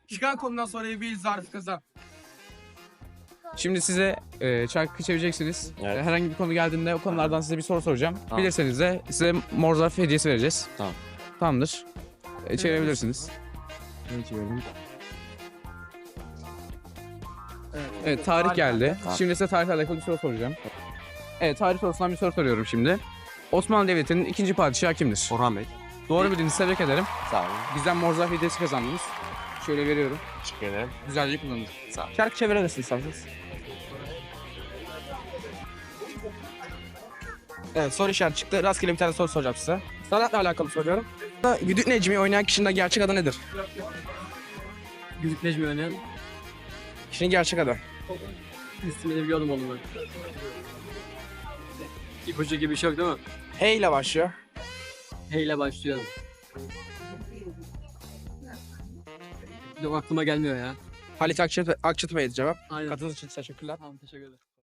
Çıkan konudan sonra bir zarf kazan. Şimdi size şarkı çevireceksiniz. Evet. Herhangi bir konu geldiğinde o konulardan size bir soru soracağım. Tamam. Bilirseniz de size mor zarf hediyesi vereceğiz. Tamam. Tamamdır. Çevirebilirsiniz. Evet, tarih geldi. Tamam. Şimdi size tarihle alakalı bir soru soracağım. Evet, tarih sorusundan bir soru soruyorum şimdi. Osmanlı Devleti'nin ikinci padişahı kimdir? Orhan Bey. Doğru bildiniz, tebrik ederim. Sağ olun. Bizden mor zarf hediyesi kazandınız. Şöyle veriyorum. Teşekkür ederim. Güzelce kullanın. Sağ olun. Şarkı çevirebilirsiniz isterseniz. Evet, soru işareti çıktı. Rastgele bir tane soru soracağım size. Sanatla alakalı soruyorum. Güdük Necmi oynayan kişinin gerçek adı nedir? Güdük Necmi oynayan Kişinin gerçek adı. ismini biliyordum onu ben. İpucu gibi bir şey yok değil mi? H ile başlıyor. H ile başlıyor. Yok aklıma gelmiyor ya. Halit Akçatepe'ydi cevap. Aynen. Katıldığınız için teşekkürler. Tamam teşekkür ederim.